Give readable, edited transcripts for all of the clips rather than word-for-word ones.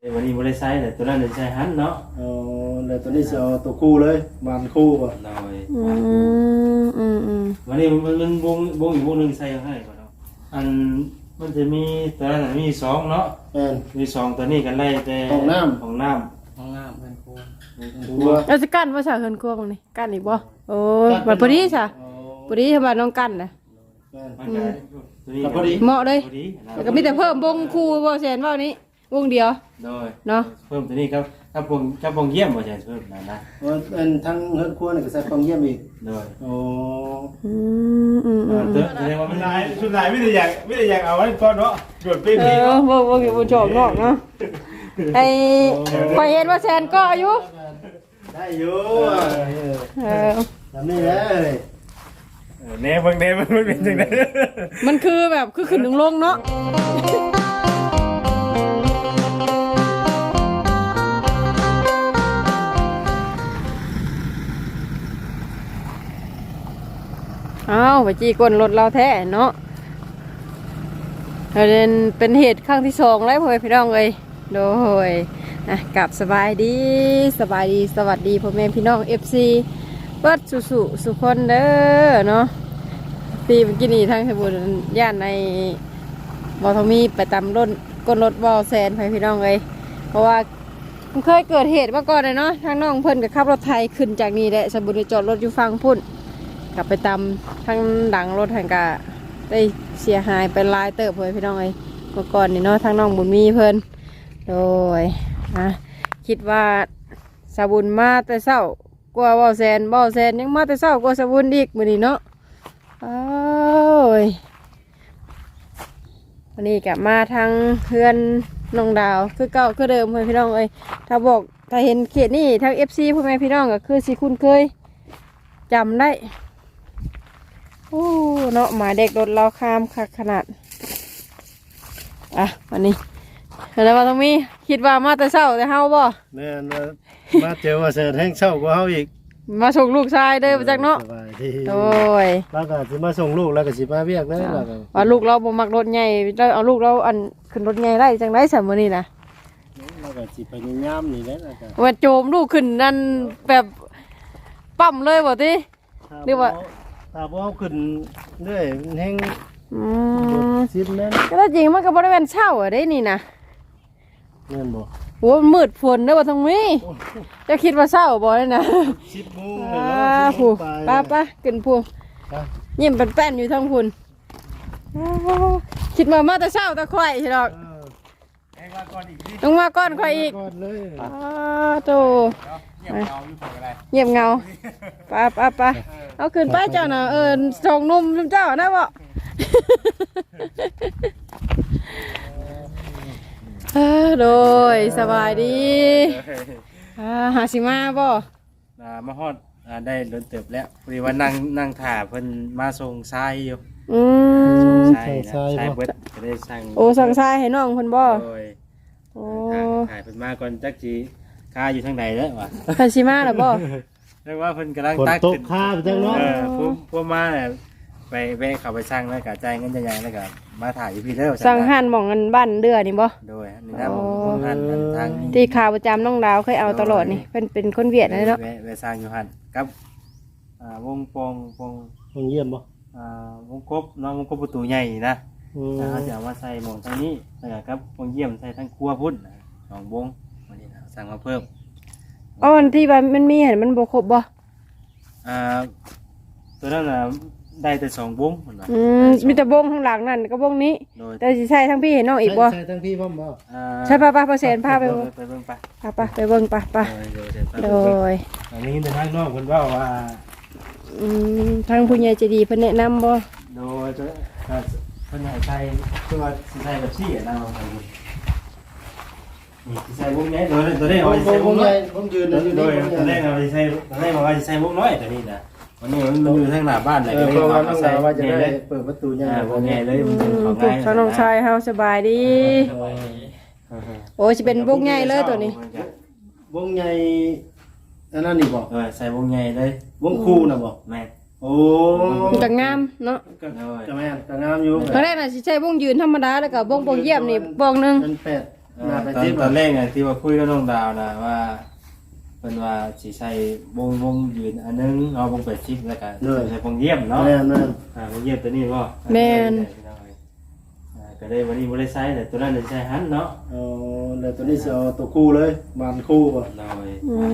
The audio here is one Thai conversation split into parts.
วันนี้บริษัทแต่ตัวนั้นใช้หันเนาะแล้วตัวนี้จะเอาตัวคู่เลยบานคู่ป่ะหน่อยวันนี้มันวงอีกวงหนึ่งใส่ให้ก่อนเนาะอันมันจะมีตัวนั้นมีสองเนาะมีสองตัวนี้กันไล่แต่ของน้ำเป็นครัวเราจะกั้นภาษาเฮือนครัวบ่นี่กั้นอีกบ่โอ้บัดพอดีซะพอดีทำบ้านน้องกั้นน่ะพอดีเหมาะเลยแล้วก็มีแต่เพิ่มวงคู่บ่แซนว่านี้วงเดียวเนาะเพิ่มตัวนี้ครับถ้าปงเยี่ยมบ่ใช่เพิ่มนะเป็นทั้งเฮือนครัวนี่ก็ใส่ปองเยี่ยมอีกโอ้แสดงว่ามันลายชุดลายไม่ได้อยากเอาไว้ก่อนเนาะโดดปิ้งนี่บ่ชอบเนาะเนาะไอ้ข่อยเห็นว่าแซนก็อยู่ได้อยู่ทำนี่แหละเน่มันเป็นจังได๋มันคือแบบคือขึ้นลงเนาะไปจี้ก้นรถเราแท้เนาะเป็นเหตุครั้งที่2แล้วพ่อพี่น้องเอ้ยโดยกลับสบายดีสวัสดีพ่อแม่พี่น้อง FC เปิดสุคนเด้อเนาะปีเมื่อกี้นี่ทางสมุทรย่านในบ่อทมีไปตำรถก้นรถบ่อแซนพ่อพี่น้องเอ้ยเพราะว่ามันเคยเกิดเหตุมาก่อนเลยเนาะทางน้องเพิ่นกับขับรถไทยขึ้นจากนี่แหละสมุทรจอดรถอยู่ฝั่งพุ่นกลับไปตำทางหลังรถทางกะได้เสียหายเป็นลายเติบเลยพี่น้องเอ้ยเมื่อก่อนนี่เนาะทางน้องบุญมีเพิ่นโดยคิดว่าสาบุญมาแต่เช้ากว่าบ่อแซนยังมาแต่เช้ากว่าสาบุญอีกมื้อนี้เนาะวันนี้กลับมาทางเพื่อนน้องดาวคือเก่าคือเดิมเลยพี่น้องเอ้ยถ้าเห็นเขตนี่ทาง FC พ่อแม่พี่น้องก็คือสิคุ้นเคยจำได้โอ้เนาะหมายเด็กรถเราข้ามขนาดวันนี้แล้วมาตรงนี้คิดว่ามาแต่เช้าแต่เฮาบ่แม่นมาเจอว่าเสร็จแห้งเช้ากว่าเฮาอีกมาส่งลูกชายเด้อจากเนาะโอ้ยแล้วก็สิมาส่งลูกแล้วก็สิมาเวียกเด้อแล้วก็ว่าลูกเราบ่มักรถใหญ่เราเอาลูกเราอันขึ้นรถใหญ่ได้จังได๋ซะมื้อนี้นะแล้วก็สิพยายามนี่แหละแล้วก็ว่าโจมลูกขึ้นนั่นแบบปั๊มเลยบ่ติหรือว่าถ้าบ่เอาขึ้นเรื่อยแห้งซิดแม่นก็จริงมันก็บ่ได้แม่นเช้าได้นี่นะแม่นบ่โอ้มืดฝนเด้อว่าทางนี้จะคิดว่าเช้าบ่ได้นะ 10 โมงแล้วผู้ป้าขึ้นผู้ยิ้มแป้นๆอยู่ทางพุ่นคิดมาแต่เช้าแต่ค่อยสิดอกต้องมาก่อนค่อยอีกโตเงียบเงาป้าเอาขึ้นป้าเจ้าน่ะส่งนุ่มเจ้าได้บ่โดยสบายดีหาสิมาบ่มาฮอดได้เดินเติบแล้วพอดีว่านั่งถ่าเพิ่นมาส่งทรายอยู่ทรายเบิดก็ได้สั่งสั่งทรายให้น้องเพิ่นบ่โอ้ถ่ายเพิ่นมาก่อนจักสิค่าอยู่ทางใดแล้ววะหาสิมาล่ะบ่เรียกว่าเพิ่นกำลังตักขึ้นค่าไปจังเนาะพวกมาเนี่ยไปเข้าไปสั่งแล้วก็จ่ายเงินใหญ่ๆแล้วก็มาถ่ายอยู่พี่เด้อสั่งหั่นหม่องกันบ้านเดือนี่บ่โดยนี่นะหม่องหั่นทางที่ข่าวประจำน้องดาวเคยเอาตลอดนี่เป็นคนเวียดนะเนาะไปสั่งอยู่หั่นกับวงปองเยี่ยมบ่วงกบน้องวงกบประตูใหญ่นะเขาจะเอามาใส่หม่องทางนี้แล้วก็กับวงเยี่ยมใส่ทั้งครัวพุ่น2 วงวันนี้สั่งมาเพิ่มอันที่ว่ามันมีเห็นมันบ่ครบบ่ตัวนั้นน่ะได้แต่2 วงเหมือนว่ามีแต่วงข้างหลังนั่นก็วงนี้แต่สิใช่ทั้งพี่เห็นน้องอีกบ่ใช่ทั้งพี่บ่ใช่ป้าเปอร์เซ็นต์พาไปเบิ่งไปไปเบิ่งป้าโดยอันนี้แต่ทางนอกเพิ่นว่าทางผู้ใหญ่ใจดีเพิ่นแนะนำบ่โดยเพิ่นให้ใส่คือว่าสิใส่แบบซี่นะนี่ใส่วงใหญ่ตัวนี้เอาใส่วงน้อยผมยืนอยู่โดยตัวนี้เอาใส่ตัวนี้บอกว่าใส่วงน้อยตัวนี้นะวันนี้มันอยู่ทางหน้าบ้านเลยเพราะว่าต้องการว่าจะได้เปิดประตูใหญ่วงใหญ่เลยมันของง่ายทางน้องชายเฮาสบายดีโอ้สิเป็นวงใหญ่เลยตัวนี้วงใหญ่อันนั้นนี่บ่ใส่วงใหญ่เลยวงคู่น่ะบ่แม่โอ้ก็งามเนาะก็แม่ก็งามอยู่ครั้งแรกน่ะสิใช้วงยืนธรรมดาแล้วก็วงโปงเยี่ยมนี่วงนึงเป็น8 ตอนแรกไงที่ว่าคุยกับน้องดาวนะว่าเป็นว่าสิใส่วงยืนอันนึงเอาวง80แล้วก็ใส่วงเยี่ยมเนาะแม่นวงเยี่ยมตัวนี้บ่แม่นก็ได้วันนี้บ่ได้ใช้แต่ตัวนั้นได้ใช้หันเนาะแล้วตัวนี้สิเอาตัวคู่เลยบานคู่บ่น้อย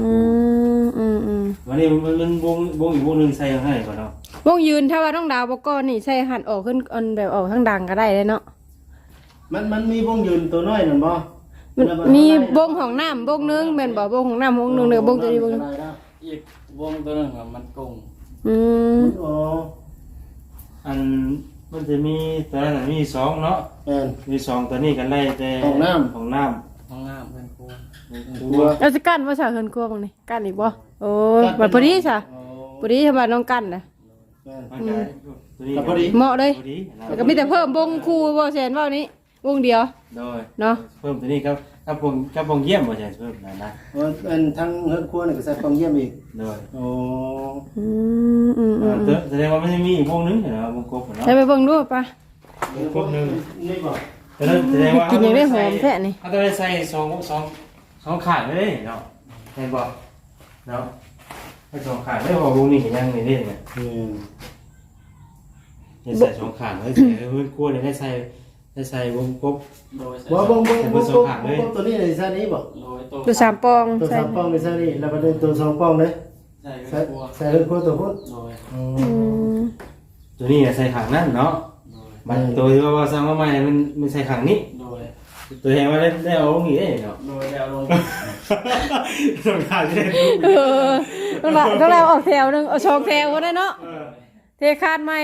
วันนี้มันวงอีกวงนึงใส่ให้ก่อนเนาะวงยืนถ้าว่าน้องดาวบ่ก็นี่ใส่หันออกขึ้นอันแบบออกทางดังก็ได้เลยเนาะมันมีวงยืนตัวน้อยนั่นบ่มีวงของน้ำวงนึงแม่นบ่วงของน้ำวงนึงเด้อวงตัวนี้วงอีกวงตัวนึงมันกงอ๋ออันมันจะมีแต่ละมี2เนาะมี2ตัวนี้กันไล่แต่ของน้ำเพื่อนครูแล้วจะกั้นว่าซะเฮือนครัวบังนี่กั้นอีกบ่โอ้ยบัดพอดีซะพอดีถ้าว่าน้องกั้นน่ะพอดีเหมาะเลยแล้วก็มีแต่เพิ่มวงครูบ่แซนว่านี้วงเดียวเนาะเพิ่มตัวนี้ครับวงเยี่ยมบ่ใช่เพิ่มนะเป็นทั้งเฮือนครัวนี่ก็ใส่วงเยี่ยมอีกโอ้แสดงว่ามันจะมีอีกวงนึงเหรอวงกบเนาะใช่ไปเบิ่งดูป่ะวงกบนึงนี่บ่แสดงว่ากินอย่างได้หอมแท้นี่เขาต้องได้ใส่2ข้างเลยเนาะเห็นบ่เนาะให้2ข้างได้บ่วงนี้ก็ยังนี่เด้เนี่ยใส่2ข้างเลยเฮือนครัวนี่ได้ใส่วงกบบ่วงตัวนี้ในซะนี้บ่ตัว3ปองตัว3ปองในซะนี้แล้วก็ตัว2ปองเลยใส่เฮือนครัวตัวพุ่นตัวนี้ใส่ข้างนั้นเนาะมันตัวที่ว่าสร้างมาใหม่มันใส่ข้างนี้ตัวแทนว่าได้เอาลงอีกได้เนาะได้เอาลงต้องการได้ต้องแล้วออกแถวนึงเอา2แถวก็ได้เนาะเทคาดใหม่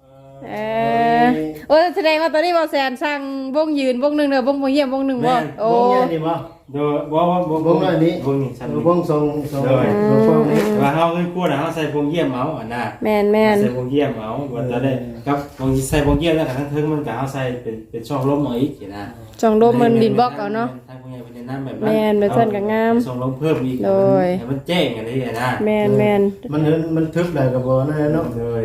แสดงว่าตอนนี้บ่แซนสร้างวงยืนวงนึงเด้อวงเยี่ยมวงนึงบ่โอ้วงใหญ่นี่บ่โดยวงน้อยนี้วงนี้ซั่นวงทรงวงนี้ว่าเฮาคือพูดน่ะเฮาใส่วงเยี่ยมเอาอันน่ะแม่นใส่วงเยี่ยมเอาว่าตอนได้ครับวงใส่วงเยี่ยมแล้วก็ทั้งถึงมันก็เฮาใส่เป็นช่องลมเอาอีกนะช่องลมมันดินบล็อกเอาเนาะทางพวกนี้เป็นน้ำแบบนั้นแม่นแบบซั่นก็งามช่องลมเพิ่มอีกให้มันแจ้งกันได้นะแม่นมันทึบได้ก็บ่นั่นเนาะเลย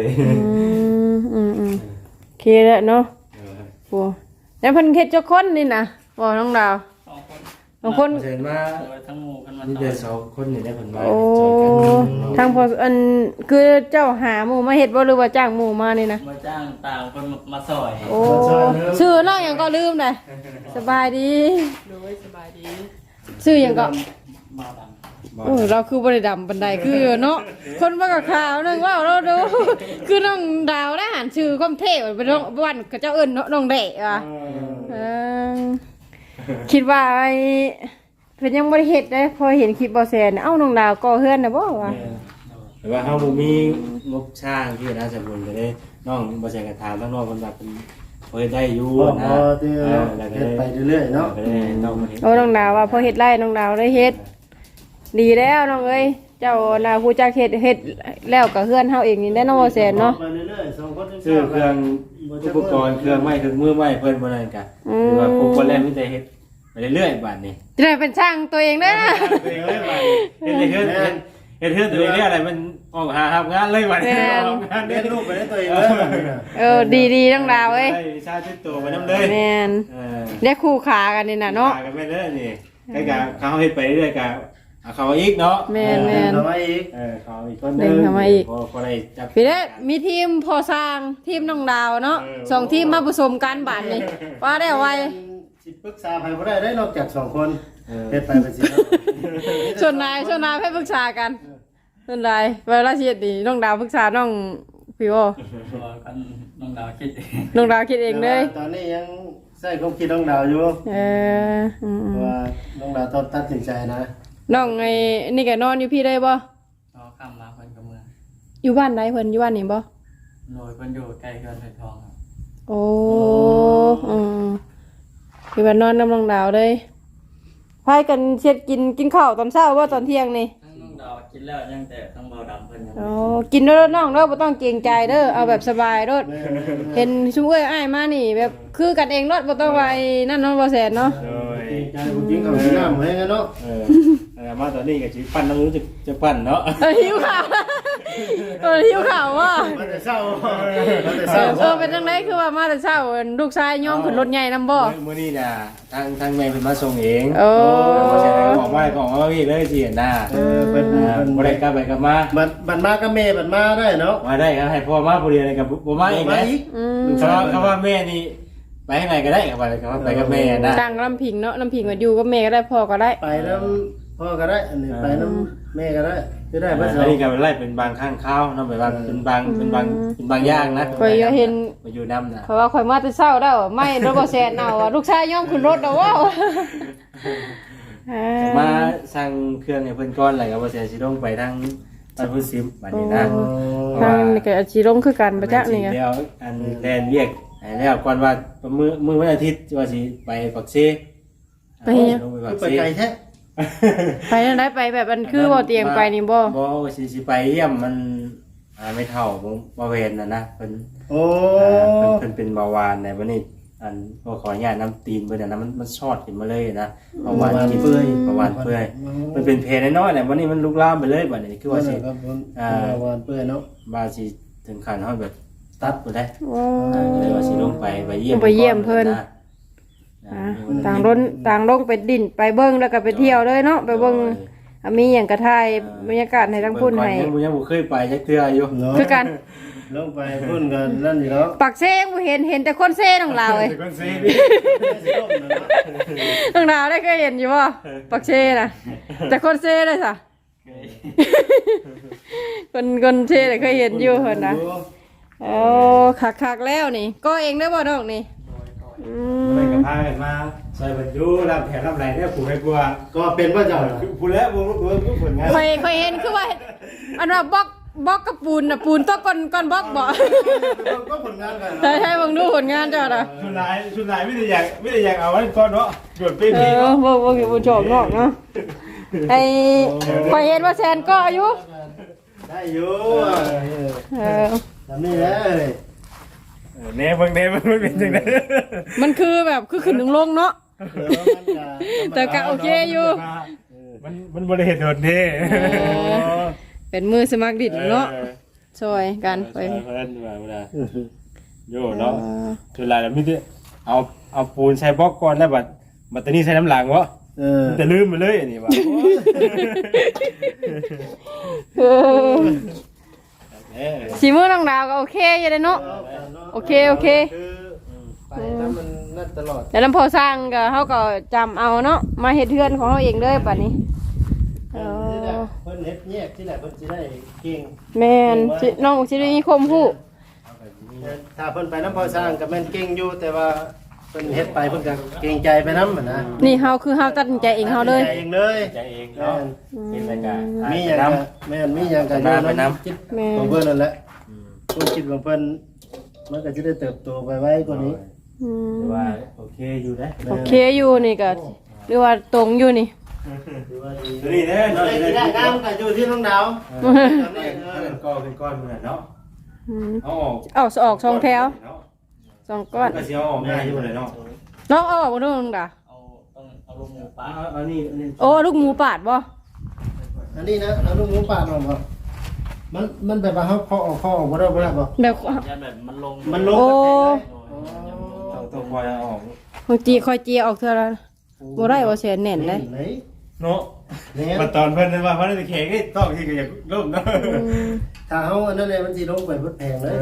โอเคแล้วเนาะโอ้แล้วเพิ่นเฮ็ดจักคนนี่นะบ่น้องดาว2คนเห็นว่าทั้งหมู่กันมานี่ได้2คนนี่ได้เพิ่นมาช่วยกันทางพออันคือเจ้าหาหมู่มาเฮ็ดบ่หรือว่าจ้างหมู่มานี่นะมาจ้างต่างคนมาซอยโอ้ชื่อน้องหยังก็ลืมได้สบายดีโดยสบายดีชื่อหยังก็มาดโอ้เราคือบริดำบันไดคือเนาะคนมากับข่าวนึงว่าเราดูคือน้องดาวได้หันชื่อก้มเทพเป็นน้องวันกับเจ้าเอิญน้องเดะว่ะคิดว่าไอ้เพิ่นยังบริเหตุได้พอเห็นคลิปบอแซนเอ้าน้องดาวก็เฮือนนะบ่วะแต่ว่าเฮาบ่มีงบช่างที่นะสมบูรณ์ก็ได้น้องบอแซนก็ถามทั้งน้องเพิ่นว่าเพิ่นพอเฮ็ดได้อยู่นะแล้วก็ไปเรื่อยๆเนาะน้องมาเฮ็ดน้องดาวว่าพอเฮ็ดไร่น้องดาวได้เฮ็ดดีแล้วน้องเอ้ยเจ้านาผู้จักเฮ็ดแล้วก็เฮือนเฮาเองนี่ได้น้องบ่แซนเนาะซื้อเครื่องอุปกรณ์เครื่องไม้เครื่องมือไม้เพิ่นบ่นั่นกันหรือว่าพวกคนแรกมีแต่เฮ็ดไปเรื่อยๆบัดนี้จะได้เป็นช่างตัวเองเด้อเฮ็ดเฮือนตัวเองอะไรมันออกหาทำงานเลยบัดนี้ออกงานได้รูปไปได้ตัวเองดีๆน้องดาวเอ้ยวิชาติดตัวไปนำเลยแม่นได้คู่ขากันนี่น่ะเนาะขากันไปเด้อนี่ก็กะเขาเฮ็ดไปเรื่อยๆกะเขาอีกเนาะแม่นเขาอีกเขาอีกคนนึงพอได้จับพี่ได้มีทีมพอสร้างทีมน้องดาวเนาะ2ทีมมาผสมกันบาดนี้ว่าได้ไวสิปรึกษาใครบ่ได้นอกจาก2คนเฮ็ดไปสิส่วนนายให้ปรึกษากันส่วนนายเวลาสิเฮ็ดนี่น้องดาวปรึกษาน้องพี่โอกันน้องดาวคิดเองเลยตอนนี้ยังใส่ความคิดน้องดาวอยู่ว่าน้องดาวต้องตัดสินใจนะน้องไอ้นี่ก็นอนอยู่พี่ได้บ่ข้ามมาเพิ่นก็เมืองอยู่บ้านไหนเพิ่นอยู่บ้านนี่บ่โดยเพิ่นอยู่ใกล้เฮือนไผทองครับโอ้อยู่บ้านนอนน้ำน้องดาวเลยพายกันเช็ดกินข้าวตอนเช้าว่าตอนเที่ยงนี่น้องดาวกินแล้วยังแต่ต้องเบาดำเพิ่นกินเด้อน้องเด้อบ่ต้องเกรงใจเด้อเอาแบบสบายเด้อเห็นซุมเอ้ยอ้ายมานี่แบบคือกันเองเด้อบ่ต้องว่าไอ้นั่นเนาะบ่แซ่นเนาะใจจริงๆเอาน้ำให้กันเนาะมาตอนนี้ก็สิปั้นน้ำรู้จะปั้นเนาะหิวข้าวหิวข้าวว่ะมันจะเศร้ามันจะเศร้าเป็นจังไดคือว่ามาแต่เช้าลูกชายย่อมขึ้นรถใหญ่นำบ่มื้อนี้น่ะทางแม่เพิ่นมาส่งเองโอ้เพราะฉะนั้นบอกว่าของเอาพี่เลยสิน่ะเป็นบ่ได้กลับไปกลับมาบันมากับแม่บันมาได้เนาะมาได้ครับให้พ่อมาผู้เดียวเลยกับบ่มาอีกนะ เขาว่าแม่นี่ไปข้างในก็ได้ครับไปกับแม่นะดังลำพิงเนาะลำพิงมาอยู่กับแม่ก็ได้พ่อก็ได้ไปน้ำพ่อก็ได้อันนี้ไปน้ำแม่ก็ได้ก็ได้อัเพื่อนนนี้ก็ไล่เป็นบางข้างข้าวเนาะแบบเป็นบางอย่างนะข่อยเห็นมาอยู่น้ำนะเพราะว่าข่อยมาแต่เช้าแล้วไม่รถบ่แซนเอาลูกชายย่อมขึ้นรถแล้วว้าวมาสั่งเครื่องให้เพิ่นก้อนอะไรก็บ่แซ่สิลงไปทางบ้านพุ่นซิมบัดนี้นะทางนี่ก็อาชีลงคือกันประจักษ์นี่ไงแล้วอันแลนเวียกแล้วก่อนว่ามื้อวันอาทิตย์ว่าสิไปปักเซไปยังลงไปปักไปเซไกลแท้ไปนั่นได้ไปแบบมันคือบ่เตียงไปนี่บ่บ่ว่าสิไปเยี่ยมมันไม่เท่าบ่เวนนะเพิ่นโอ้เพิ่นเป็นเบาหวานในวันนี้อันพอขออนุญาตน้ำตีนเพิ่นนะมันชอดขึ้นมาเลยนะเบาหวานกินเปื่อยเบาหวานเปื่อยมันเป็นเพลน้อยๆแหละวันนี้มันลุกลามไปเลยบัดนี้คือว่าสิวานเปื่อยเนาะบาสิถึงขั้นเฮาแบบตัดบ่ได้โอ้เลยว่าสิลงไปเยี่ยมไปเยี่ยมเพิ่น ต่างลงไปดินไปเบิ่งแล้วก็ไปเที่ยวเลยเนาะไปเบิ่งมีหยังกระทายบรรยากาศให้ทั้งพุ่นให้ยังบ่เคยไปจักเทื่ออยู่คือกันลงไปพุ่นกันนั่นอยู่แล้วปักเซ่บ่เห็นแต่คนเซ่ของเราเอ้ยคนซีนี่น้องดาวได้เคยเห็นอยู่บ่ปักเซ่น่ะแต่คนเซ่เลยซะคนเซ่ได้เคยเห็นอยู่เพิ่นนะโอ้คักๆแล้วนี่ก็เองได้บ่น้องนี่มันก็พากันมาใส่บรรจุรับแขกรับไหลเนี่ยผู้ให้กลัวก็เป็นว่าเจ้าผู้แล้วบ่ผลงานเคยเห็นคือว่าอันว่าบล็อกกับปูนน่ะปูนต้องก่อนบล็อกบ่ก็ผลงานกันใช่ๆเบิ่งดูผลงานเจ้าน่ะชุดลายไม่ได้อยากเอาไว้ก่อนเนาะหยุดปีนี้บ่อยู่บ่ชอบนอกเนาะไอ้ข่อยเห็นว่าแซนก็อายุได้อยู่เออทำนี่แหละเลยเน่เบิ่งมันเป็นจังได๋มันคือแบบคือขึ้นลงเนาะแต่ก็โอเคอยู่มันบ่ได้เฮ็ดโดดเด้เป็นมือสมัครดินเนาะช่วยกันไปเพิ่นว่าบ่ได้โยเนาะชุดลายแล้วมีแต่เอาปูนใส่บล็อกก่อนแล้วบัดตอนนี้ใส่น้ำหลังวะแต่ลืมไปเลยอันนี้ว่าสีมือน้องดาวก็โอเคอยู่เลยเนาะโอเคไปถ้ามันนั่นตลอดแต่ลำพอสร้างก็เขาก็จำเอาเนาะมาเฮ็ดเทือนของเขาเองเลยป่ะนี้เพิ่นเฮ็ดแยกที่แหละเพิ่นสิได้เก่งแม่นน้องสิได้มีคมฮู้ถ้าเพิ่นไปน้ำพอสร้างก็แม่นเก่งอยู่แต่ว่าเพิ่นเฮ็ดไปเพิ่นก็เก่งใจไปนำนะนี่เฮาคือเฮาตัดสินใจเองเฮาเลยใจเองเลยใจเองเนาะเป็นรายการมีหยังแม่นมีหยังก็อยู่นำคิดของเพิ่นนั่นแหละความคิดของเพิ่นมันก็จะได้เติบโตไปไว้กว่านี้ว่าโอเคอยู่นะโอเคอยู่นี่ก็หรือว่าตรงอยู่นี่นี่เด้อเนาะได้น้ำก็อยู่ที่น้องดาวก็เป็นก้อนเหมือนเนาะเอาออกเอาออก2แถว2ก้อนก็สิเอาออกง่ายอยู่เลยเนาะน้องเอาออกบ่น้องดาเอาลูกหมูป่าเอานี่โอ้ลูกหมูปาดบ่อันนี้นะเอาลูกหมูป่าออกบ่มันแบบว่าเฮาเคาะออกบ่ได้บ่แบบยันแบบมันลงมันลงโอ้ต้องคอยเอาออกบางทีคอยเจียออกเท่าละบ่ได้บ่เสียแน่นเลยเนาะมาตอนเพิ่นว่าเพิ่นจะแข่งนี่ต้องที่ก็อยากร่มเนาะถ้าเฮาอันนั้นเลยมันสิลงไปบ่แพงเลย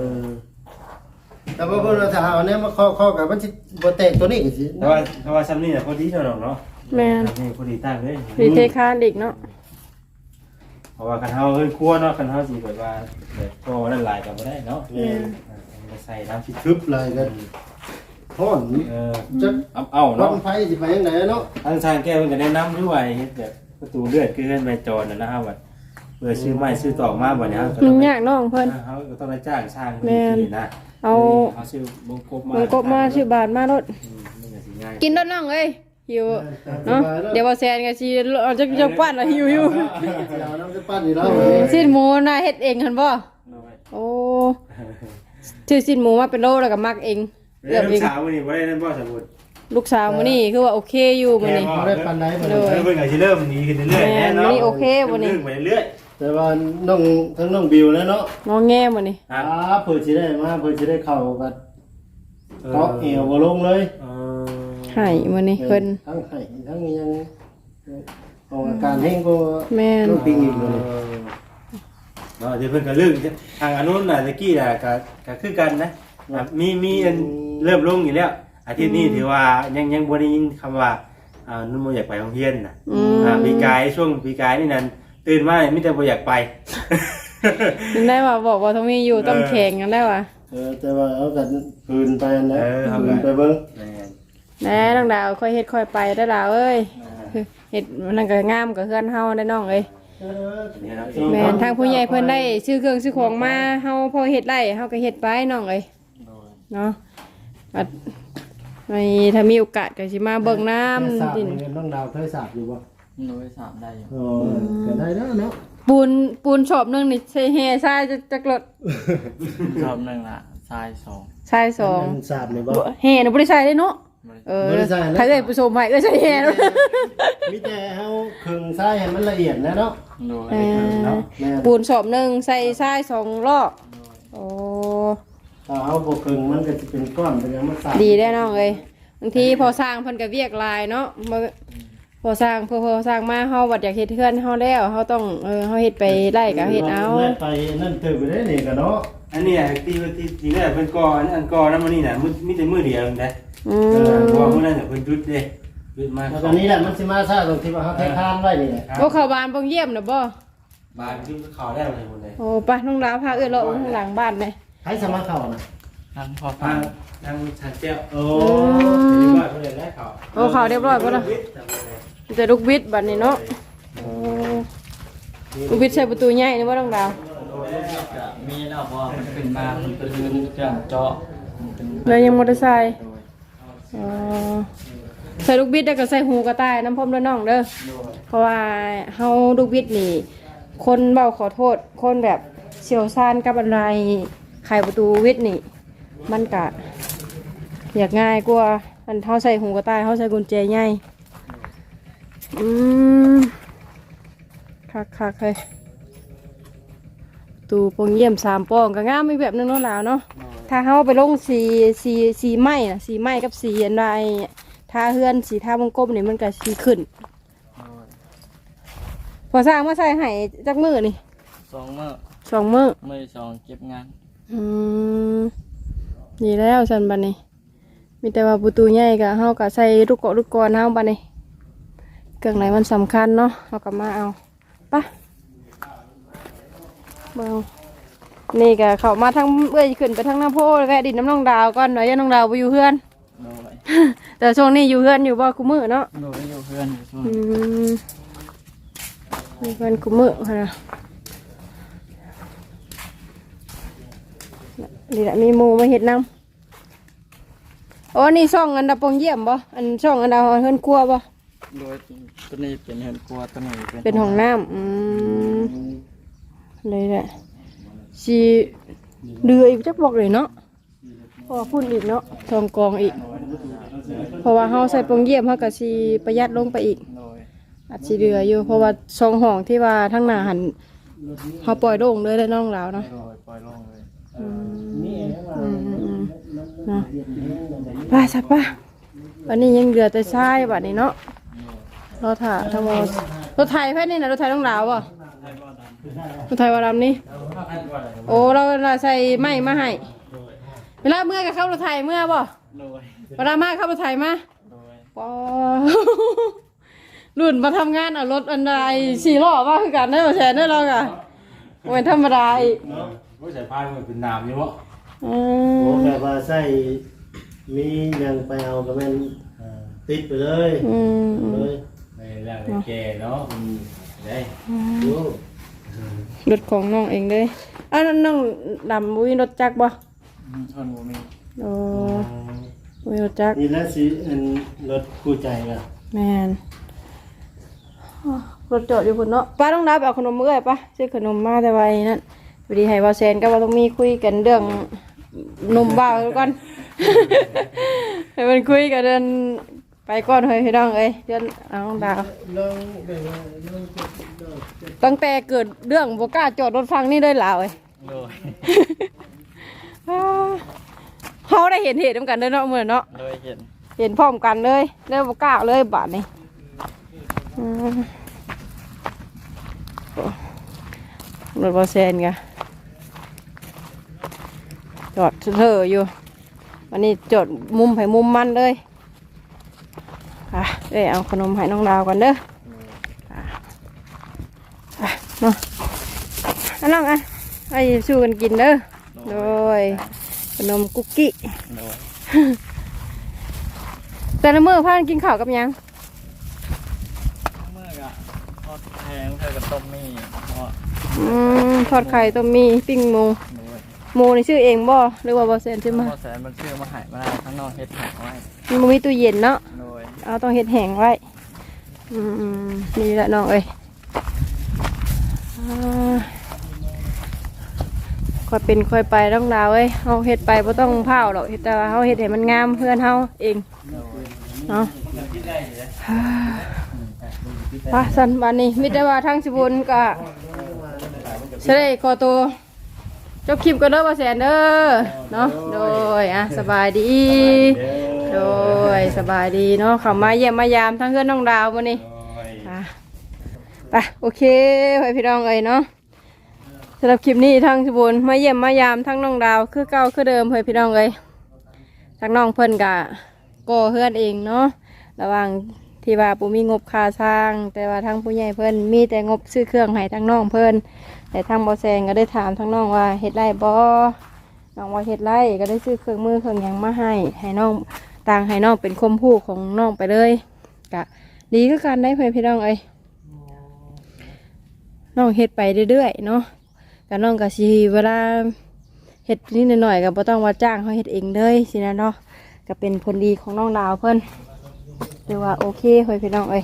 แต่ว่าเพิ่นว่าถ้าเอาเนี่ยมาเคาะกับมันสิบ่แตกตัวนี้ก็สิแต่ว่าซ้ำนี่น่ะพอดีเนาะเนาะแม่นนี่พอดีตั้งเลยรีเทคานอีกเนาะเพราะว่าคันเฮาเฮ้ยครัวเนาะคันเฮาสิแบบว่าแบบก็นั่นหลายก็บ่ได้เนาะใส่น้ำสิทึบเลยกันฮ้อนจะเอารเนาะถไฟสิไปยังไงเนาะทางทางแก้มันก็แนะนำด้วยเฮ็ดแบบประตูเลือดคือเฮือนแม่จรน่ะนะครับว่าเพื่อซื้อไม้ซื้อตอกมาบ่เนี่ยเฮาก็มัต้อน งยากน้องเพิ่นเฮาก็ต้องไปจ้างช่างแม่นนี่นะเอาซื้อบงกบมามันกบมาชื่อบาทมารถนี่ก็สิง่ายกินรถน้องเอ้ยหิวเนาะเดี๋ยวบ่แซนก็สิเอาจักปั้นแล้วหิวอยู่เอาน้ำจะปั้นนี่แล้วสิ้นหมูน่ะเฮ็ดเองหั่นบ่โอ้ชื่อสิ้นหมูมาเป็นโลแล้วก็มักเองเรื่องสาวมื้อนี้บ่ได้นั่นบ่สมมุติลูกสาวมื้อนี้คือว่าโอเคอยู่มื้อนี้บ่ได้ปานใดบ่โดได้ยเพิ่นก็สิเริ่มดีขึ้นเรื่อยๆแม่นเนาะมื้อนี้โอเคบ่นี่เรื่องไปเรื่อยแต่ว่าน้องทั้งน้องบิวแล้วเนาะงอแงมื้อนี้ครับเพิ่นสิได้มาเพิ่นสิได้เข้ากันเกาะเอวบ่ลงเลยให้มื้อนี้เพิ่นทั้งไห้ทั้งยังออกอาการแห้งก็แม่นต้องปิงอีกเลยเนาะที่เพิ่นก็เรื่องทางอนุน่ะตะกี้น่ะก็คือกันนะครับมีอันเริ่มลงอยู่แล้วอาทิตย์นี้ถือว่ายังบ่ได้ยินคำว่านุ่มบ่อยากไปโรงเรียนน่ะปีกายช่วงปีกายนี่นั่นตื่นมามีแต่บ่อยากไปนึกได้ว่าบอกว่าต้องมีอยู่ต้องแข่งกันได้ว่ะแต่ว่าเอากันคืนไปนะเอาคืกันนไปเบิ่งแน่น้องดาวค่อยเฮ็ดค่อยไปได้อล่ะเอ้ยเฮ็ดมันก็งามกับเฮือนเฮาได้น้องเอ้ยแม่นทางผู้ใหญ่เพิ่นได้ซื้อเครื่องซื้อของมาเฮาพอเฮ็ดได้เฮาก็เฮ็ดไปน้องเอ้ยเนาะบัดไม่ถ้ามีโอกาสก็สิมาเบิ่งน้ำสาบดินนี่น้องดาวเคยสาบอยู่บ่โดยสามได้อยู่อ๋อก็ได้แล้วเนาะปูนชอบนึงนี่ใช้แห่ทรายจักรถรอบหนึ่งละทรายสองทรายสองสาบนี่บ่แห่น่ะบ่ได้ใช้ได้เนาะบ่ได้ใช้นะใครเอ้ยผู้ชมให้ใช้แห่เนาะมีแต่เฮาครึ่งทรายให้มันละเอียดนะเนาะโดยเนาะแม่ปูนชอบนึงใส่ทราย2รอบโอ้ถ้าเฮาบ่ครึ่งมันก็สิเป็นก้อนเป็นหยังมันสาบดีได้น้องเอ้ยบางทีพอสร้างเพิ่นก็เวียกลายเนาะพอสร้างพอสร้างมาเฮาบัดอยากเฮ็ดเฮือนเฮาแล้วเฮาต้องเฮาเฮ็ดไปไล่ก็เฮ็ดเอาไปนั่นตื่นไปได้นี่ก็เนาะอันนี้ที่แรกเพิ่นก่ออันก่อนั้นมื้อนี้น่ะมีแต่มื้อเดียวนะอืเพราะมว่ามื้อนั้นน่ะเพิ่นหยุดเด้หยุดมาแล้วตอนนี้แหละมันสิมาซะตรงที่ว่าเฮาแท้ทานไว้นี่แหละโอ้เข้าบ้านบ่เยี่ยมน่ะบ่บ้านที่เขาได้อะไรหมดเลยโอ้ไปน้องดาวพาเอื้อเลาะข้างหลังบ้านเลยให้สมาเข้าน่ะทั้งพอทาฟังงทางชาเจ้าโอ้ที่บ้านเพิ่นได้เขาโอ้เขาเรียบร้อยบ่ล่ะจะลูกบิดบัดนี้เนาะโอ้ลูกบิดใส่ประตูใหญ่นี่บ่น้องดาวจะมีแล้วพอมันขึ้นมามันเป็นเครื่องเจาะมันเป็นแล้วยังมอเตอร์ไซค์อ๋อใส่ลูกบิดแล้วก็ใส่หูกระต่ายน้ำพรมด้วยน้องเด้อเพราะว่าเฮาลูกบิดนี่ คนเว้าขอโทษคนแบบเชี่ยวชาญกับอะไรไขประตูวิทย์นี่ มันก็อยากง่ายกว่าอันเฮาใส่หูกระต่ายเฮาใส่กุญแจใหญ่อืมคักๆเลยตูปงเยี่ยม3ป้องก็งามอีกแบบนึงเนาะหลาวเนาะถ้าเฮาไปลงสีไม้น่ะสีไม้กับสีอันใดทาเฮือนสีทาวงกลมนี่มันก็สีขึ้น พอสร้างมาใส่ให้จักมือนี่ 2 2 มื้อมื้อมื้อ2เก็บงานอืมนี่แล้วสันบัดนี้ มีแต่ว่าประตูใหญ่ก็เฮาก็ใส่ลูกเกาะลูกกรเฮาบัดนี้เครื่องไหนมันสำคัญเนาะเฮาก็มาเอาไปเบิ่งนี่ก็เข้ามาทางเอ้ยขึ้นไปทางน้ำโพแล้วก็ดินน้ำน้องดาวก่อนเดี๋ยวอย่าน้องดาวบ่อยู่เฮือนโดยแต่ช่วงนี้อยู่เฮือนอยู่บ่คุมื้อเนาะโดยอยู่เพื่อนอยู่ช่วงอืมอยู่เฮือนคุมื้อหั่นน่ะนี่แหละมีหมูมาเห็ดน้ำโอ้นี่ช่องอันดับปงเยี่ยมบ่อันช่องอันดับเฮือนครัวบ่โดยตัวนี้เป็นเฮือนครัวตัวนี้เป็นห้องน้ำเลยแหละสีเดืออีกจักบอกเลยเนาะเพราะว่าพุ่นอีกเนาะทองกองอีก เพราะว่าเฮาใส่ปงเยี่ยมเฮาก็สิประหยัดลงไปอีกโดยอาจสิเดืออยู่เพราะว่าช่องห้องที่ว่าทั้งหน้าหันเฮาปล่อยโล่งเลยแล้วน้องลาวเนาะโดยปล่อยลงเลยนะป้าสับป้าวันนี้ยังเหลือแต่ทรายบัดนี้เนาะรถถ่าทั้งหมดรถไทยแค่นี้นะรถไทยต้องลาวอ่ะรถไทยวาดำนี่โอ้เราใส่ไม้มาให้เวลาเมื่อกับเข้ารถไทยเมื่อบ่โดยเวลามาเข้ารถไทยมาโดยปอรุ่นมาทำงานเอารถอันใด4 ล้อมาคือกันได้บ่แชร์ได้เรากะเป็นธรรมดาอีกว่าสายพานมันเป็นน้ำอยู่วะอืโอ้มแบบว่าใส่มียังไปเอาก็แม่นติดไปเลยอืมเลยในแรกแก่เนาะได้โอ้รถของน้องเองเลยอันนั้นน้องดำบุ้ยรถจักรบ่คนบ่มีโอ้บุ้ยรถจักรนี่แหละสิอันรถคู่ใจก็แมนอ้อรถจอดอยู่พุ่นเนาะป้าต้องรับเอาขนมมื้อไป้าซื้อขนมมาแต่ไว้นั่นพอดีให้ว่าแซนก็ว่าต้องมีคุยกันเรื่องนมบ้าวก่อนให้มันคุยกันเดินไปก่อนเฮ้ยพี่น้องเอ้ยเดือนเอาน้องดาวลองไปว่าลองจะตั้งแต่เกิดเรื่องบ่กล้าจอดรถฟังนี่ได้หลาวเอ้ยโดยเขาได้เห็นเหตุกันเด้อเนาะมื้อเนาะโดยเห็นเห็นพร้อมกันเลยแล้วบ่กล้าเลยบาดนี้รถบ่แซนกะจอดเถอะอยู่วันนี้จอดมุมไผมุมมันเลยได้เอาขนมให้น้องดาวกันเด้อเนาะอันน้องอ่ะไอ้สู้กันกินเด้อโดยขนมคุกกี้โดยแต่ละมื้อพากันกินข้าวกับหยังเมื่อกะทอดแพงเท่ากับต้มมี่เพราะทอดไข่ต้มมีปิ้งหมูโดยหมูนี่ชื่อเองบ่หรือว่าบ่แซนซื้อมาพอแสนมันชื่อมาหายมาได้ข้างนอกเฮ็ดแหกไว้มันบ่มีตู้เย็นเนาะโดยเอาต้องเฮ็ดแห้งไว้นี่แหละน้องเอ้ยค่อยเป็นค่อยไปต้องดาวเอ้ยเฮาเฮ็ดไปบ่ต้องเผาหรอกเฮ็ดแต่ว่าเฮาเฮ็ดให้มันงามเพื่อนเฮาเองเนาะสันบานนี้มิตรว่าทั้งสิบุญก็เสด็จขอตัวจบคลิปกันเด้อบ่แสนเด้อเนาะโดยสบายดีโดยสบายดีเนาะเข้ามาเยี่ยมมายามทั้งเพื่อนน้องดาวมื้อนี้ไปโอเคไว้พี่น้องเอ้ยเนาะสำหรับคลิปนี้ทั้งสิบุญมาเยี่ยมมายามทั้งน้องดาวคือเก่าคือเดิมเฮ้ยพี่น้องเอ้ยทั้งน้องเพิ่นก็ก่อเฮือนเองเนาะระหว่างที่ว่าปูมีงบค่าสร้างแต่ว่าทางผู้ใหญ่เพิ่นมีแต่งบซื้อเครื่องให้ทางน้องเพิ่นแต่ทางบ่แซงก็ได้ถามทางน้องว่าเฮ็ดไรบ่น้องว่าเฮ็ดไรก็ได้ซื้อเครื่องมือเครื่องหยังมาให้น้องต่างให้น้องเป็นคมผู้ของน้องไปเลยก็ดีคือกันได้เพื่อนพี่น้องเอ้ยน้องเฮ็ดไปเรื่อยๆเนาะก็น้องก็สิเวลาเฮ็ดนิดหน่อยก็บ่ต้องว่าจ้างเขาเฮ็ดเองเลยสินะเนาะก็เป็นผลดีของน้องดาวเพิ่นหรือว่าโอเคเฮ้ยพี่น้องเอ้ย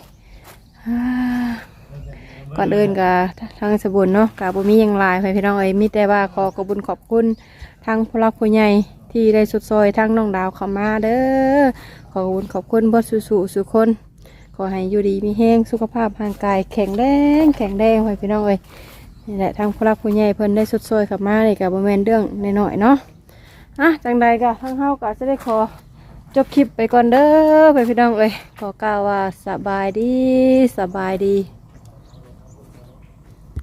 ก่อนเดินกับทางสบุญเนาะกับบุมีอย่างไรเฮ้ยพี่น้องเอ้ยมีแต่ว่าขอบุญขอบคุณทางผู้รักผู้ใหญ่ที่ได้สุดซอยทางน้องดาวเข้ามาเด้อขอบุญขอบคุณบ่สุคนขอให้อยู่ดีมีแห้งสุขภาพร่างกายแข็งแรงเฮ้ยพี่น้องเอ้ยนี่แหละทางผู้รักผู้ใหญ่เพิ่นได้สุดซอยเข้ามาเลยกับบ่แม่นเรื่องน้อยๆเนาะจังใดก็ทางเฮาก็จะได้ขอจบคลิปไปก่อนเด้อไปพี่น้องเอ้ยขอกล่าวว่าสบายดี